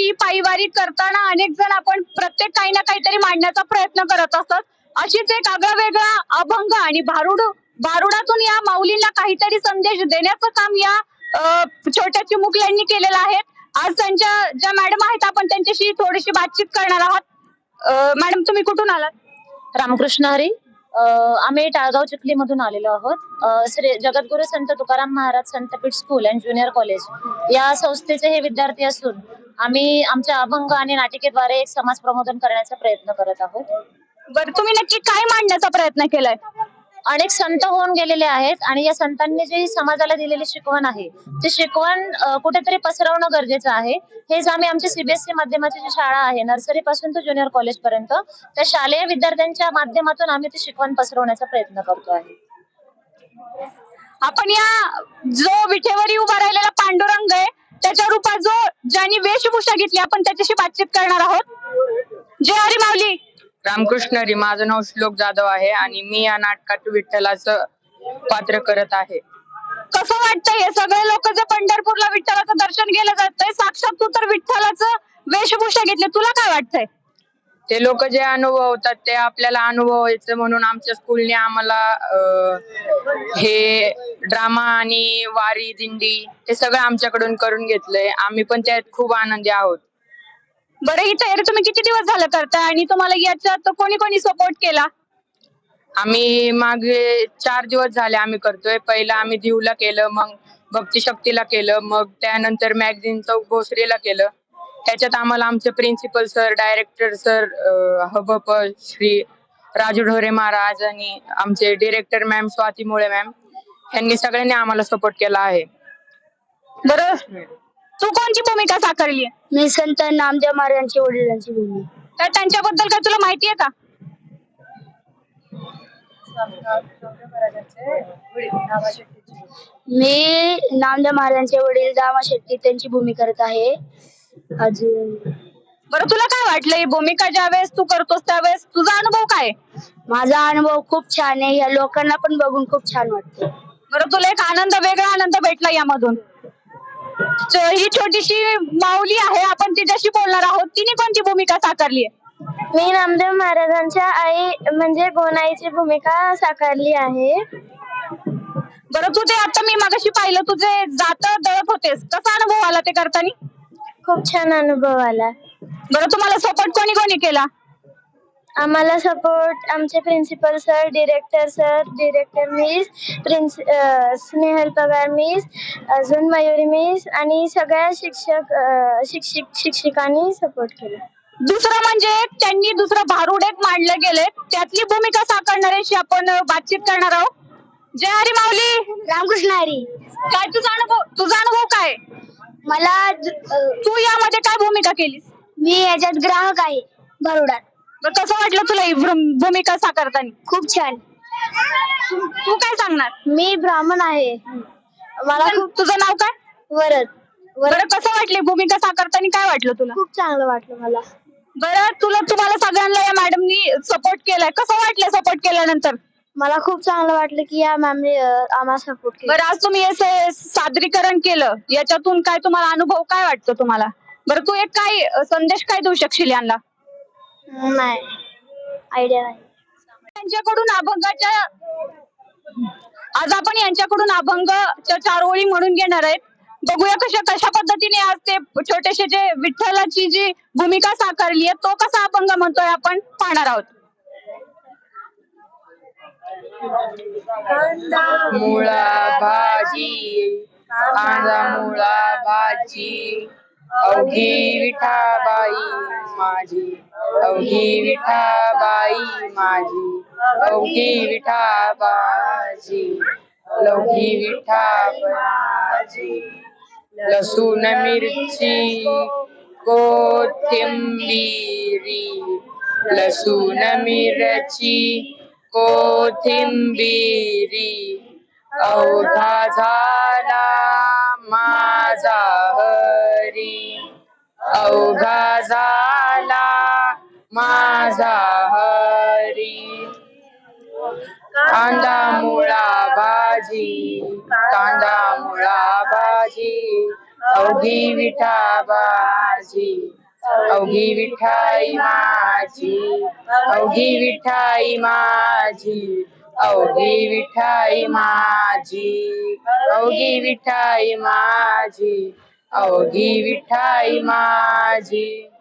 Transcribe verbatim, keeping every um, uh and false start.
की पायवारी करताना अनेक जण आपण प्रत्येक काही ना काहीतरी मांडण्याचा प्रयत्न करत असतात. अशीच एक आगळावेगळा अभंग आणि भारुड भारुडातून या माऊलींना काहीतरी संदेश देण्याचं काम या अ, छोट्या चिमुकल्यांनी केलेलं आहे. आज त्यांच्या ज्या मॅडम आहेत आपण त्यांच्याशी थोडीशी बातचीत करणार आहात. अ, मॅडम तुम्ही कुठून आलात? रामकृष्ण हरी. अ, आम्ही टाळगाव चिखली मधून आलेलो आहोत. अ, Shri Jagadguru Sant Tukaram Maharaj Santpeeth school and junior college या संस्थेचे हे विद्यार्थी असून आम्ही आमच्या अभंग आणि नाटिकेद्वारे एक समाज प्रबोधन करण्याचा प्रयत्न करत आहोत. बरं, तुम्ही नक्की काय मांडण्याचा प्रयत्न केलाय? अनेक संत होऊन गेलेले आहेत आणि या संतांनी जी समाजाला दिलेली शिकवण आहे ती शिकवण अ, कुठेतरी पसरवणं गरजेचं आहे. हेच आम्ही आमची सीबीएसई माध्यमाची जी शाळा आहे नर्सरी पासून ते ज्युनियर कॉलेज पर्यंत त्या शालेय विद्यार्थ्यांच्या माध्यमातून आम्ही ती शिकवण पसरवण्याचा प्रयत्न करतो आहे. आपण या जो विठेवरी उभा राहिलेला पांडुरंग आहे त्याच्या रूपात जो ज्यांनी वेशभूषा घेतली आपण त्याच्याशी बातचीत करणार आहोत. जय हरी माऊली. रामकृष्ण हरी. माझं नाव श्लोक जाधव आहे आणि मी या नाटकात विठ्ठलाचं पात्र करत आहे. कसं वाटतंय हे सगळे लोक जे पंढरपूरला विठ्ठलाचं दर्शन घेलं जातंय, साक्षात तू तर विठ्ठलाचं वेशभूषा घेतली, तुला काय वाटतंय? ते लोक जे अनुभवतात ते आपल्याला अनुभवायचं म्हणून आमच्या स्कूलने आम्हाला अं, हे ड्रामा आणि वारी दिंडी हे सगळं आमच्याकडून करून घेतलंय. आम्ही पण त्यात खूप आनंदी आहोत. बरं, ही तयारी तुम्ही किती दिवस झालं करताय आणि तुम्हाला याच्यात कोणी कोणी सपोर्ट केला? आम्ही मागे चार दिवस झाले आम्ही करतोय. पहिला आम्ही दिवला केलं, मग भक्ती शक्तीला केलं, मग त्यानंतर मॅगझिन चौक भोसरीला केलं. त्याच्यात आम्हाला आमचे प्रिन्सिपल सर, डायरेक्टर सर, हबप श्री राजू ढोरे महाराज आणि आमचे डिरेक्टर मॅम स्वाती मुळे मॅम यांनी सगळ्यांनी आम्हाला सपोर्ट केला आहे. बरं, तू कोणती भूमिका साकारली? मी संत नामदेव महाराजांची वडिलांची भूमिका. तर त्यांच्याबद्दल काय तुला माहिती आहे का? मी नामदेव महाराजांचे वडील दामा शेट्टी त्यांची भूमिका करत आहे. अजून बरं, तुला काय वाटलं ही भूमिका ज्यावेळेस तू करतोस त्यावेळेस तुझा अनुभव काय? माझा अनुभव खूप छान आहे. या लोकांना पण बघून खूप छान वाटतं. बरं, तुला एक आनंद वेगळा आनंद भेटला यामधून. ही छोटीशी माऊली आहे, आपण तिच्याशी बोलणार आहोत. तिने कोणती भूमिका साकारली आहे? मी नामदेव महाराजांच्या आई म्हणजे गोनाईची भूमिका साकारली आहे. बरं, तू ते आता मी मागाशी पाहिलं तुझे जात दळत होतेस, कसा अनुभव आला ते करताना? खूप छान अनुभव आला. बरं, तुम्हाला सपोर्ट कोणी कोणी केला? आम्हाला सपोर्ट आमचे principal sir, director sir, director miss, prince Snehal Pagar miss, अजून मयुरी मिस आणि सगळ्या शिक्षक शिक्षक शिक्षिकांनी सपोर्ट केला. दुसरं म्हणजे त्यांनी दुसरं भारुड एक मांडले गेले, त्यातली भूमिका साकारणाऱ्याशी आपण बातचीत करणार आहोत. जय हरी माऊली. रामकृष्ण हरी. काय तुझा अनुभव तुझा अनुभव काय? मला तू यामध्ये काय भूमिका केलीस? मी याच्यात ग्राहक आहे भारुडात. बरं, कसं वाटलं तुला ही भूमिका साकारताना? खूप छान. तू काय सांगणार? मी ब्राह्मण आहे. मला खूप तुझं नाव काय? वरद. बरं, कसं वाटली भूमिका साकारताना? काय वाटलं तुला? खूप चांगलं वाटलं मला. बरं, तुला तुम्हाला सगळ्यांना या मॅडमनी सपोर्ट केलाय, कसं वाटलं सपोर्ट केल्यानंतर? मला खूप चांगलं वाटलं की या मॅमने आम्हाला सपोर्ट केला. बरं, आज तुम्ही हे सादरीकरण केलं, याच्यातून काय तुम्हाला अनुभव काय वाटतो तुम्हाला? बरं, तू एक काय संदेश काय देऊ शकशील यांना? नाही, आयडिया नाही. त्यांच्याकडून अभंगाच्या आज आपण यांच्याकडून अभंगच्या चार ओळी म्हणून घेणार आहेत. बघूया कशा कशा पद्धतीने आज ते छोटेसे जे विठ्ठलाची जी भूमिका साकारली आहे तो कसा अभंग म्हणतोय आपण पाहणार आहोत. मुळा भाजी कांदा मुळा भाजी अवघी विठाबाई माझी, अवघी विठाबाई माझी, अवघी विठाबाजी, लवघी विठाबाजी. लसूण मिरची कोथिंबिरी, लसूण मिरची कोथिंबिरी, अवघा झाला माझा हरी, अवघा झाला माझा हरी. कांदा मुळा भाजी, कांदा मुळा भाजी, अवघी विठाबाजी, अवघी विठाई माझी, अवघी विठाई माझी, अवघी विठाई माझी, अवघी विठाई माझी, अवघी विठाई माझी.